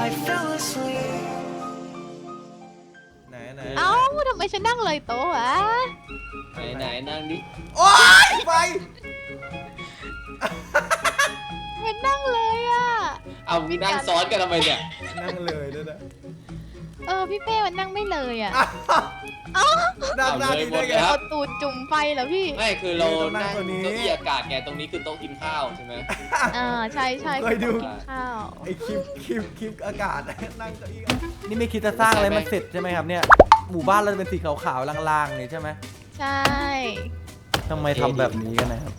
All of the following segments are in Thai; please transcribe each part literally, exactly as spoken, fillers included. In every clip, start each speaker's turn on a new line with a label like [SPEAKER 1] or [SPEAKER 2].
[SPEAKER 1] ไหนไหน
[SPEAKER 2] เอ้าทำไมฉันนั่งเลยโต๊ะวะ
[SPEAKER 3] ไหนไหนนั่งดิ
[SPEAKER 1] โอ๊ยไป
[SPEAKER 2] มันนั่งเลยอ่ะ
[SPEAKER 3] เอานั่งซ้อนกันทำไมเนี่ย
[SPEAKER 1] นั่งเลยด้วยนะ
[SPEAKER 2] เออพี่เป้มันนั่งไม่เลยอ่ะ
[SPEAKER 1] นั่งหน้านี้ได้ไง
[SPEAKER 2] เอาตูดจุ่มไฟเหรอพี่
[SPEAKER 3] ไม่คือเรา
[SPEAKER 1] ต้องนั่
[SPEAKER 3] นั่
[SPEAKER 1] ง
[SPEAKER 3] ง
[SPEAKER 1] ตัวนี้
[SPEAKER 3] เก้าอี้อากาศไงตรงนี้คือโต๊ะกินข้าวใช่ไหม
[SPEAKER 2] อ่าใช่ใช่
[SPEAKER 1] เคยดู
[SPEAKER 2] กินข้าว
[SPEAKER 1] ไอคลิปคลิปคลิปอากาศนั่งเก้าอี้นี่ไม่คิดจะสร้างอะไรมันเสร็จใช่ไหมครับเนี่ยหมู่บ้านเราจะเป็นสีขาวๆลางๆนี่ใช่ไหม
[SPEAKER 2] ใช่
[SPEAKER 1] ทำไมทำแบบนี้กันนะครับ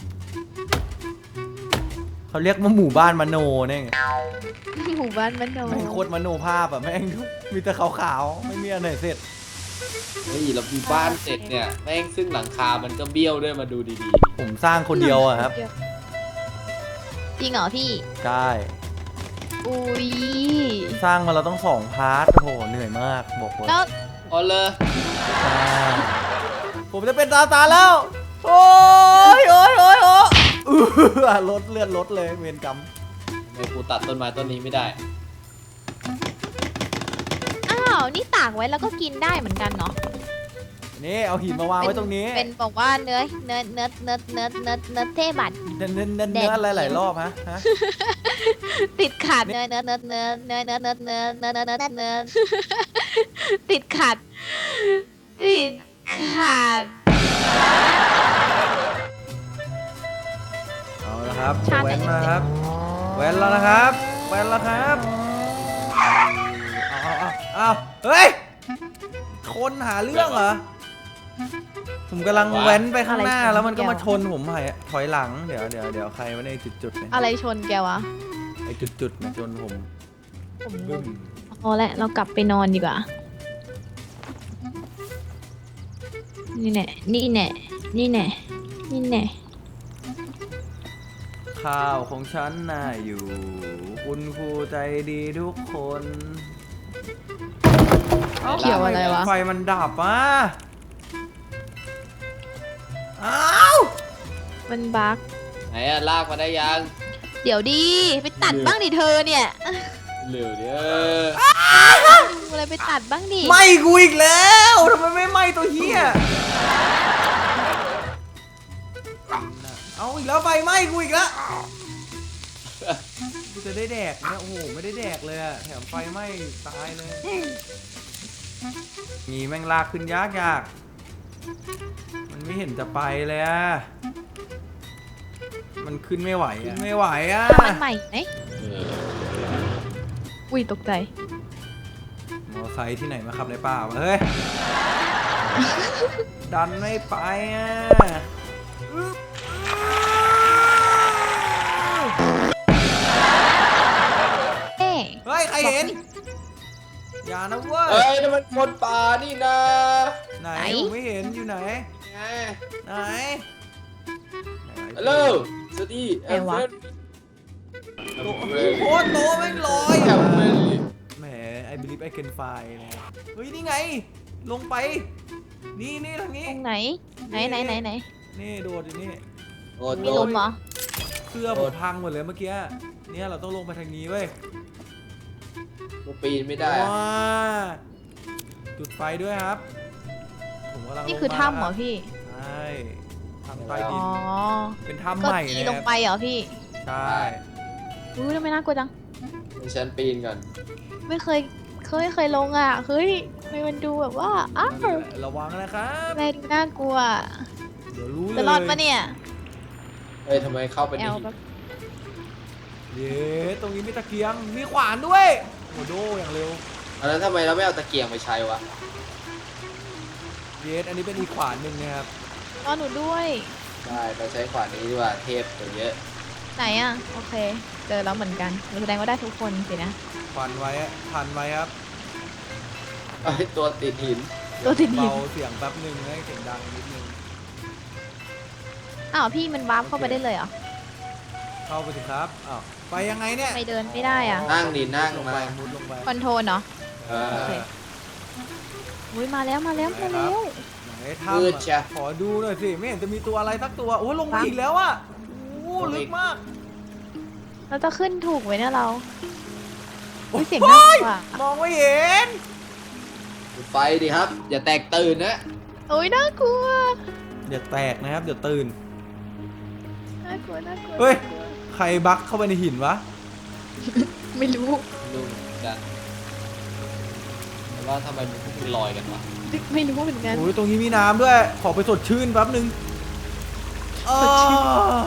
[SPEAKER 1] เขาเรียกว่าหมู่บ้านมโนเนี่ยไง
[SPEAKER 2] หมู่บ้านมันโน
[SPEAKER 1] แม่งโคตรมโนภาพอะแม่งมีแต่ขาวๆไม่มีอันไหนเสร็จ
[SPEAKER 3] เฮ้ยเรามีบ้านเสร็จเนี่ยแม่งซึ่งหลังคามันก็เบี้ยวด้วยมาดูดี
[SPEAKER 1] ผมสร้างคนเดียวอะครับ
[SPEAKER 2] จริงเหรอพี่
[SPEAKER 1] ใช่
[SPEAKER 2] อุ้ย
[SPEAKER 1] สร้างมาเราต้องสองพาร์ทโอ้โหเหนื่อยมากบอกเลย
[SPEAKER 2] แล้ว
[SPEAKER 3] ๆอ๋อเลย
[SPEAKER 1] ใช่ผมจะเป็นตาตาแล้ว โอ้ยโอ้ยโอ้ยโอ้ยอื้อลดเลือดลดเลยเวรกรรม
[SPEAKER 3] ทำไมกูตัดต้นไม้ต้นนี้ไม่ได้
[SPEAKER 2] อ้าวนี่ตากไว้แล้วก็กินได้เหมือนกันเนาะ
[SPEAKER 1] นี่เอาหินมาวางไว้ตรงนี้
[SPEAKER 2] เป็นบอกว่าเนื้อเนื้อเนื้อเนื้อเนื้อเนื้อเนื้อเทบัตร
[SPEAKER 1] เน้นเน้นเน้นเนื้ออะไรหลายรอบฮะฮะ
[SPEAKER 2] ติดขัดเนื้อเนื้อเนื้อเนื้อเนื้อเนื้อเนื้อเนื้อเนื้อเนื้อเนื้อเนื้อติดขัดติดขัด
[SPEAKER 1] เอาละครับ
[SPEAKER 2] ชาติ
[SPEAKER 1] แหวนมาครับแหวนแล้วนะครับแหวนแล้วครับเอาเอาเอาเอาเฮ้ยคนหาเรื่องเหรอผมกำลังแว้นไปข้างหน้าแล้วมันก็มาชนผมถอยถอยหลังเดี๋ยวเดี๋ยวเดี๋ยวใครวะในจุดๆเนี่ย
[SPEAKER 2] อะไรชนแกวะ
[SPEAKER 1] ไอจุดๆนะชนผม
[SPEAKER 2] ผมง
[SPEAKER 1] บึ้
[SPEAKER 2] ง
[SPEAKER 1] ม
[SPEAKER 2] พอแล้วเรากลับไปนอนดีกว่า นี่แน่นี่แน่นี่แน่นี่แน่
[SPEAKER 1] ข้าวของฉันน่าอยู่ คุณครูใจดีทุกคน
[SPEAKER 2] เกี่ยวอะไรวะ
[SPEAKER 1] ไฟมันดับอ่ะอ้าว
[SPEAKER 2] มันบั๊ก
[SPEAKER 3] ไหนอะลากมาได้ยัง
[SPEAKER 2] เดี๋ยวดีไปตัดบ้างดิเธอเนี่ย
[SPEAKER 3] เหลือเด้อ
[SPEAKER 2] อะไรไปตัดบ้างดิ
[SPEAKER 1] ไหม่กูอีกแล้วทำไมไม่ไหม้ตัวเฮียเอาอีกแล้วไฟไหม้กูอีกแล้วกูจะได้แดกเนี่ยโอ้โหไม่ได้แดกเลยอะแถมไฟไหม้ตายเลยงีแม่งลากขึ้นยากยากมันไม่เห็นจะไปเลยอะมันขึ้นไม่ไหวอะไม่ไหวอะ
[SPEAKER 2] มันใหม่ไหม
[SPEAKER 3] เออ
[SPEAKER 2] อุ้ยตกใจ
[SPEAKER 1] มอไซค์ที่ไหนมาขับในป่าวะเฮ้ย ดันไม่ไปอ่ะอึ๊บ
[SPEAKER 2] เอ๊ะ
[SPEAKER 1] เฮ้ย ใครเห็น อย่านะเว้ย
[SPEAKER 3] เอ้ยนั่นมันคนป่านี่นะ
[SPEAKER 1] ไหนผมไม่เห็นอยู่ไหน
[SPEAKER 3] ไง
[SPEAKER 1] ไหน
[SPEAKER 3] ฮัลโหลสวัสดีแอมเฟรน
[SPEAKER 1] โอ้โหโคตรโตแม่งลอย
[SPEAKER 3] แอ
[SPEAKER 1] อ่ะ
[SPEAKER 3] มเฟรน
[SPEAKER 1] แหม I believe I can fly นะเฮ้ย นี่ไง ลงไป นี่นี่ทางนี้
[SPEAKER 2] ตรงไหน ไหนไหนไหนไหน
[SPEAKER 1] นี่โดดอยู่นี่
[SPEAKER 3] โอ้
[SPEAKER 2] มี
[SPEAKER 3] โห
[SPEAKER 2] ลมเหรอ
[SPEAKER 1] เสื้อผมพังหมดเลยเมื่อกี้ เนี่ยเราต้องลงไปทางนี้เว้ย
[SPEAKER 3] กูปีนไม่ได้อะ
[SPEAKER 1] ว้าจุดไฟด้วยครับ ผมกำลัง
[SPEAKER 2] นี่คือ
[SPEAKER 1] ลงมา
[SPEAKER 2] ถ้ำเหรอพี่
[SPEAKER 1] ใช่ทำใต้ดิ
[SPEAKER 2] อ๋
[SPEAKER 1] น
[SPEAKER 2] อ
[SPEAKER 1] เป็นถ้ำ
[SPEAKER 2] ก็
[SPEAKER 1] ใหม่
[SPEAKER 2] ตี
[SPEAKER 1] นะ
[SPEAKER 2] ลงไปเหรอพี่
[SPEAKER 1] ใช่
[SPEAKER 2] อุ้ยทำไมน่ากลัวจัง
[SPEAKER 3] ให้ฉันปีนก่อน
[SPEAKER 2] ไม่เคย เคยเคยลงอ่ะ เฮ้ยทำไมมันดูแบบว่า อ้าว
[SPEAKER 1] ระวังนะครับ
[SPEAKER 2] อะไรดูน่ากลัว
[SPEAKER 1] เดี๋ยวรู้เลย
[SPEAKER 2] จะรอดปะเนี่ย
[SPEAKER 3] เฮ้ยทำไมเข้าไป
[SPEAKER 2] แอ
[SPEAKER 3] ใน
[SPEAKER 2] ล
[SPEAKER 3] หิน
[SPEAKER 2] แบบ
[SPEAKER 1] เย้ตรงนี้มีตะเกียง มีขวานด้วยโอ้โดอย่างเร็ว
[SPEAKER 3] อันนั้นทำไมเราไม่เอาตะเกียงไปใช้วะ
[SPEAKER 1] เยสอันนี้เป็นอีกขวานหนึ่งนะครับ
[SPEAKER 2] รอหนูด้วย
[SPEAKER 3] ได้เราใช้ขวานนี้ดีกว่าเทพตัวเยอะ
[SPEAKER 2] ไหนอ่ะ โอเค เจอแล้วเหมือนกันแสดงว่าได้ทุกคนสินะ
[SPEAKER 1] ขวานไว้อะพันไว้ครับ
[SPEAKER 3] ไอ้ยตัวติดหิน
[SPEAKER 2] ตัวติดหิน
[SPEAKER 1] เบาเสียงแป๊บหนึ่งให้เสียงดังนิดนึง
[SPEAKER 2] อ้าวพี่มันวาร์ปเข้าไปได้เลยเหรอ
[SPEAKER 1] เข้าไปสิครับอ้าวไปยังไงเนี่ย
[SPEAKER 2] ทำไม่เดินไม่ได้อ่ะ
[SPEAKER 3] นั่งดินั่ง
[SPEAKER 1] ลงไป
[SPEAKER 3] มา
[SPEAKER 1] มุดลงไป
[SPEAKER 2] คอนโทรลเนาะ
[SPEAKER 3] เอ
[SPEAKER 2] โอ
[SPEAKER 3] อ
[SPEAKER 2] เค อุ้ยมาแล้วมาแล้วมาแล้ว
[SPEAKER 1] ไหน
[SPEAKER 3] มื
[SPEAKER 1] ถ้ำ
[SPEAKER 3] ด
[SPEAKER 1] อะ
[SPEAKER 3] ใช่
[SPEAKER 1] ขอดูหน่อยสิไม่เห็นจะมีตัวอะไรสักตัวโอ้ยลงมาอีกแล้วอ่ะโอ้ลึกมาก
[SPEAKER 2] เราจะขึ้นถูกไว้เนี่ยเรา
[SPEAKER 1] ผ
[SPEAKER 2] อุ๊ยเสียงน่ากลัว
[SPEAKER 1] มองไม่เห็น
[SPEAKER 3] จุดไฟดิครับ อย่าแตกตื่นนะ
[SPEAKER 2] โอ้ยน่ากลัว
[SPEAKER 1] อย่าแตกนะครับเดี๋ยวตื่น
[SPEAKER 2] น่ากลัวน่ากลัว
[SPEAKER 1] เฮ้ย ใครบักเข้าไปในหินวะ
[SPEAKER 2] ไม่รู้
[SPEAKER 3] ดูเหมือนกันแต่ว่าทำไมมันถึงลอยกันวะ
[SPEAKER 2] ไม่รู้เหมือนกัน
[SPEAKER 1] โอ้ยตรงนี้มีน้ำด้วย ขอไปสดชื่นแป๊บนึง
[SPEAKER 2] สดชื่น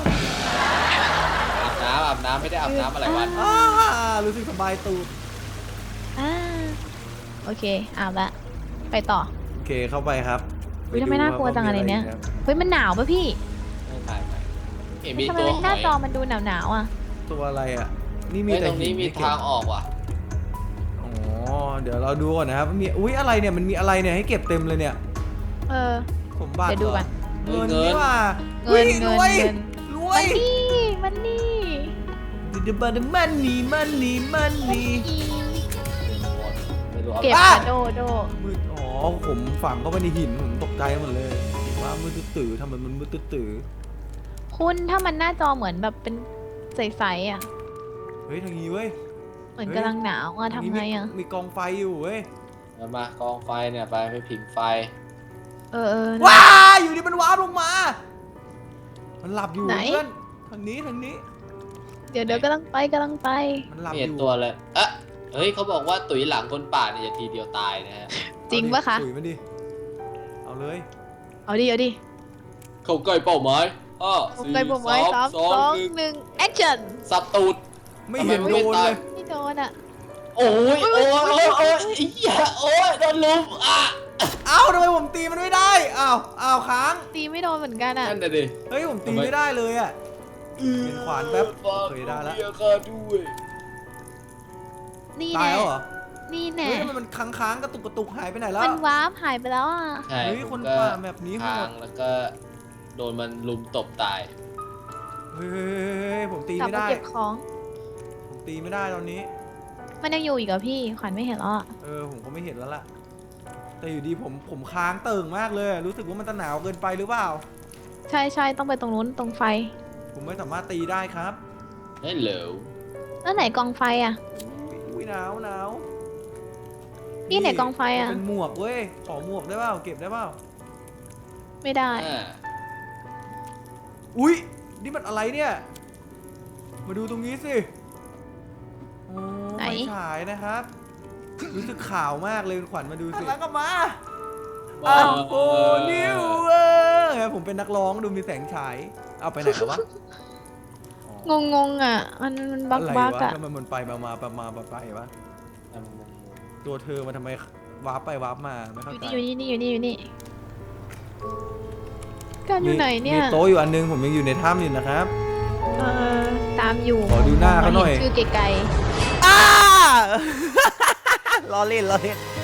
[SPEAKER 3] อาบน้ำอาบน้ำไม่ได้อาบน้ำอะไรวัน
[SPEAKER 1] อ่ารู้สึกสบายตูด
[SPEAKER 2] อ่าโอเคอาบละไปต่อ
[SPEAKER 1] โอเคเข้าไปครับ
[SPEAKER 2] อุ๊ยทำไมน่ากลัวจังอะไรเนี่ย
[SPEAKER 1] ปดูว่าขามี
[SPEAKER 2] เฮ้ยมันหนาวป่ะพี่
[SPEAKER 3] ไม่ถ่ายไปเห็นมี
[SPEAKER 2] ทำไม
[SPEAKER 3] ตัว
[SPEAKER 2] มัน
[SPEAKER 3] ห
[SPEAKER 2] หน้า
[SPEAKER 3] อย
[SPEAKER 2] จอมันดูหนาวหนาวๆอ่ะ
[SPEAKER 1] ตัวอะไรอ่ะ นี่มี
[SPEAKER 3] เฮ้ย
[SPEAKER 1] แต่
[SPEAKER 3] ตรงนี้
[SPEAKER 1] หิ
[SPEAKER 3] มี
[SPEAKER 1] ไเก็บ
[SPEAKER 3] ทางออกว่ะ
[SPEAKER 1] อ๋อ เดี๋ยวเราดูก่อนนะครับมีอุ้ยอะไรเนี่ย มันมีอะไรเนี่ยให้เก็บเต็มเลยเนี่ย
[SPEAKER 2] เออ
[SPEAKER 1] ผมบ้า
[SPEAKER 2] เดี๋ยวดูก่อน
[SPEAKER 1] เงินนี่ว่า
[SPEAKER 2] เงิน
[SPEAKER 1] ฮ้ย
[SPEAKER 2] เงิ
[SPEAKER 1] ร
[SPEAKER 2] น
[SPEAKER 1] วย
[SPEAKER 2] เงิน
[SPEAKER 1] รว
[SPEAKER 2] มั
[SPEAKER 1] ย
[SPEAKER 2] นนี่มันนี่
[SPEAKER 1] ดิดบันมันนี่มันนี่มันนี่
[SPEAKER 3] ไม่รู้เอา
[SPEAKER 2] เก็บ
[SPEAKER 1] บ้า
[SPEAKER 2] อะโดโด
[SPEAKER 1] มืดอ๋อผมฝังเข้าไปในหินผมตกใจหมดเลยว่ามืดตื้อๆทำไมมันมืดตื้อ
[SPEAKER 2] คุณถ้ามันหน้าจอเหมือนแบบเป็นใสๆอ่ะ
[SPEAKER 1] ๆเฮ้ยทางนี้เว้ย
[SPEAKER 2] เหมือนกำลังหนาวอ่ะทำไงอ่ะ
[SPEAKER 1] มีมีกองไฟอยู่เว้ย
[SPEAKER 3] เอามากองไฟเนี่ยไปไปผิงไฟ
[SPEAKER 2] เออเออ
[SPEAKER 1] ว้าอยู่ดีมันว้าบลงมา มันหลับอยู่
[SPEAKER 2] ไหน
[SPEAKER 1] เพื่อนทางนี้ทางนี้
[SPEAKER 2] เดี๋ยวเดี๋ยวกำลังไปกำลังไป
[SPEAKER 1] มันหลับ
[SPEAKER 3] ไม่
[SPEAKER 1] อ
[SPEAKER 3] เห็น
[SPEAKER 1] ยู่
[SPEAKER 3] ตัวเลยเอ๊ะเฮ้ยเขาบอกว่าตุ๋ยหลังคนป่าเนี่ยจะทีเดียวตายนะฮะ
[SPEAKER 2] จริงปะคะ
[SPEAKER 1] ถุยมันดิเอาเลย
[SPEAKER 2] เอาดิเอาดิ
[SPEAKER 3] เข้าใกล้เป้าหมายห้า
[SPEAKER 2] ผม
[SPEAKER 3] สี่
[SPEAKER 2] ไปผมไว้สาม
[SPEAKER 3] สอง
[SPEAKER 2] สอง
[SPEAKER 3] หนึ่ง
[SPEAKER 2] หนึ่งแอคชั่น
[SPEAKER 3] สับตูด
[SPEAKER 1] ไม่เห็น
[SPEAKER 3] ทำไม
[SPEAKER 1] โด
[SPEAKER 3] ไม่
[SPEAKER 1] น
[SPEAKER 3] ตาย
[SPEAKER 1] เลย
[SPEAKER 2] ไม่โดนอ่ะ
[SPEAKER 3] โอ้ยโอ้ยโอ้ยโอ้ยไอ้เหี้ยโอ้ยโดนลุมอ่ะ
[SPEAKER 1] เอ้าทำไมผมตีมันไม่ได้อ้าวอ้าวค้าง
[SPEAKER 2] ตีไม่โดนเหมือนกันอ่ะ
[SPEAKER 3] นั่นน่ะดิ
[SPEAKER 1] เฮ้ยผมตี
[SPEAKER 3] ทำไม
[SPEAKER 1] ไม่ได้เลยอ่ะ เป็นขวานแป๊บ
[SPEAKER 3] ฝาก
[SPEAKER 1] เคยได้ละ
[SPEAKER 3] เมียข้าด้วย
[SPEAKER 2] นี่
[SPEAKER 1] ตาย
[SPEAKER 2] แน่
[SPEAKER 1] แล้วเหรอ
[SPEAKER 2] นี่
[SPEAKER 1] เฮ้
[SPEAKER 2] แน่
[SPEAKER 1] ยทำไมมันค้างค้างๆกระตุกกระตุกหายไปไหนแล้ว
[SPEAKER 2] มันวาร์ปหายไปแล้วอ่ะ
[SPEAKER 3] ใช่
[SPEAKER 1] เฮ้ย
[SPEAKER 3] ผม
[SPEAKER 1] คน
[SPEAKER 3] ก็
[SPEAKER 1] ป่าแบบนี้โห
[SPEAKER 3] ทา
[SPEAKER 1] ด
[SPEAKER 3] งแล้วก็โดนมันลุมตบตาย
[SPEAKER 1] เฮ้ยผมตี
[SPEAKER 2] กลับ
[SPEAKER 1] ไม่
[SPEAKER 2] มา
[SPEAKER 1] ได้
[SPEAKER 2] เก็บของ
[SPEAKER 1] ผมตีไม่ได้ตอนนี้
[SPEAKER 2] มันยังอยู่อีกเหรอพี่ขวัญไม่เห็นแล้วอ่ะ
[SPEAKER 1] เออผมก็ไม่เห็นแล้วล่ะ แต่อยู่ดีผมผมค้างเติ่งมากเลย รู้สึกว่ามันจะหนาวเกินไปหรือเปล่า
[SPEAKER 2] ใช่ใช่ต้องไปตรงนู้นตรงไฟ
[SPEAKER 1] ผมไม่สามารถตีได้ครับ
[SPEAKER 3] เฮ้ยเหลว
[SPEAKER 2] แล้วไหนกองไฟอ่ะ
[SPEAKER 1] อุ้ยหนาวหนาว
[SPEAKER 2] นี่ไหนกองไฟอะ
[SPEAKER 1] เป็นหมวกเว้ย ขอหมวกได้เปล่า เก็บได้เปล่า
[SPEAKER 2] ไม่ได้
[SPEAKER 3] อ่า
[SPEAKER 1] อุ้ยนี่มันอะไรเนี่ย มาดูตรงนี้สิ โอ้
[SPEAKER 2] ไหน
[SPEAKER 1] ไฟฉายนะครับ รู้สึกขาวมากเลยคุณขวัญมาดูสิแล้วก็มา
[SPEAKER 3] ว้า
[SPEAKER 1] อ้าว วโอ้นิวเออผมเป็นนักร้องดูมีแสงฉาย เอาไปไหนแล้ววะ
[SPEAKER 2] งงงๆอ่ะ มันมันบัก
[SPEAKER 1] อะไร
[SPEAKER 2] บัก
[SPEAKER 1] วะ
[SPEAKER 2] อ่ะ
[SPEAKER 1] ทำไมมันไปมามาไปมาไปไปวะ ตัวเธอมาทำไมวาร์ปไปวาร์ปมาไม่
[SPEAKER 2] อ
[SPEAKER 1] เข้า
[SPEAKER 2] ยู่
[SPEAKER 1] ใจ
[SPEAKER 2] นี่อยู่นี่อยู่นี่อยู่นี่การอยู่ไหนเนี่ย
[SPEAKER 1] มีโต๊ะอยู่อันนึงผมยังอยู่ในถ้ำอยู่นะครับ
[SPEAKER 2] เออตามอยู่
[SPEAKER 1] ขอดูหน้าเขาหน่อย
[SPEAKER 2] ชื่อไกล
[SPEAKER 1] อ้า ล้อเล่นล้อเล่น